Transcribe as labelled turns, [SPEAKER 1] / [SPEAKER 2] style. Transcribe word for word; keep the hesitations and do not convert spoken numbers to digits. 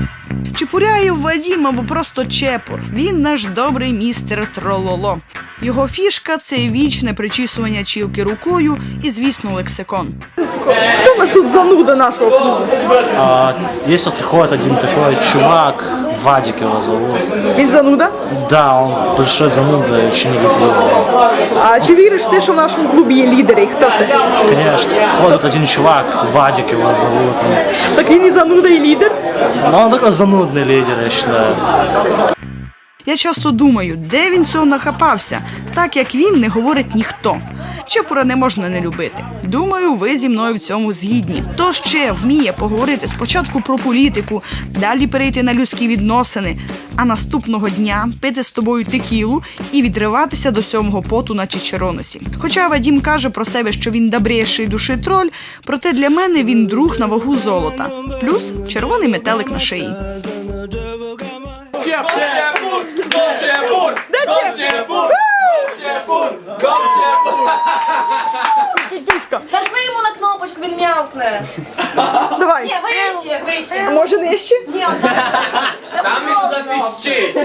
[SPEAKER 1] Чепуряєв Вадім або просто Чепур. Він наш добрий містер Трололо. Його фішка – це вічне причісування чілки рукою і, звісно, лексикон.
[SPEAKER 2] Хто у нас тут зануда нашого клубу?
[SPEAKER 3] А, есть вот приходит один такой чувак, Вадик его зовут.
[SPEAKER 2] Він зануда?
[SPEAKER 3] Да, он большой зануда, я очень не люблю его.
[SPEAKER 2] А чи віриш ти, що в нашому клубі є лідери? І хто це?
[SPEAKER 3] Конечно, ходит один чувак, Вадик его зовут.
[SPEAKER 2] Так він і зануда, і лідер?
[SPEAKER 3] Но он такой занудный лидер, я считаю.
[SPEAKER 1] Я часто думаю, де він цього нахапався, так як він не говорить ніхто. Чепура не можна не любити. Думаю, ви зі мною в цьому згідні. Хто ще вміє поговорити спочатку про політику, далі перейти на людські відносини, а наступного дня пити з тобою текілу і відриватися до сьомого поту на чичероносі. Хоча Вадім каже про себе, що він добріший душі троль, проте для мене він друг на вагу золота. Плюс червоний метелик на шиї.
[SPEAKER 4] Чепур! Чепур! Чепур! Чепур!
[SPEAKER 2] Тютюська.
[SPEAKER 5] Нажми йому на кнопочку, він м'явкне.
[SPEAKER 2] Давай.
[SPEAKER 5] Ні, вище,
[SPEAKER 2] А
[SPEAKER 5] вище.
[SPEAKER 2] може нижче?
[SPEAKER 5] Ні, он там.
[SPEAKER 4] Там він запіщить.